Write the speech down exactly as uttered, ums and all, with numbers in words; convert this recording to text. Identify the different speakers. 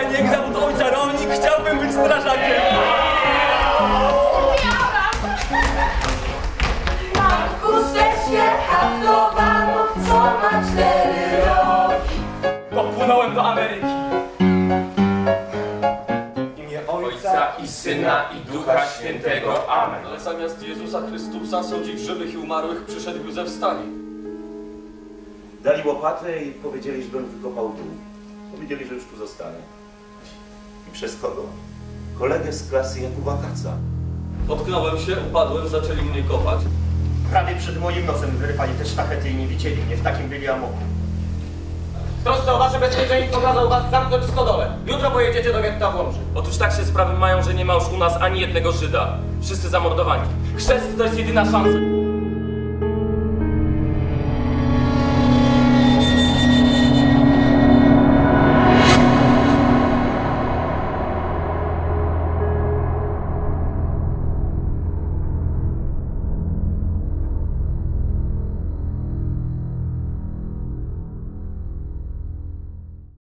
Speaker 1: Heniek, zawód ojca rolnik, chciałbym być strażakiem.
Speaker 2: Mam chusteczkę haftowaną, co ma cztery rogi.
Speaker 1: Popłynąłem do Ameryki.
Speaker 3: Ojca i Syna i Ducha Świętego. Amen.
Speaker 4: Ale zamiast Jezusa Chrystusa sądzić żywych i umarłych przyszedł Józef Stalin.
Speaker 5: Dali łopatę i powiedzieli, żebym wykopał dół. Powiedzieli, że już tu zostanę. I przez kogo? Kolegę z klasy Jakuba Kaca.
Speaker 4: Potknąłem się, upadłem, zaczęli mnie kopać.
Speaker 6: Prawie przed moim nosem wyrywali te sztachety i nie widzieli mnie, w takim byli amoku.
Speaker 7: Trosce o wasze bezpieczeństwo kazał was zamknąć w stodole. Jutro pojedziecie do getta w Łomży.
Speaker 3: Otóż tak się sprawy mają, że nie ma już u nas ani jednego Żyda. Wszyscy zamordowani. Chrzest to jest jedyna szansa.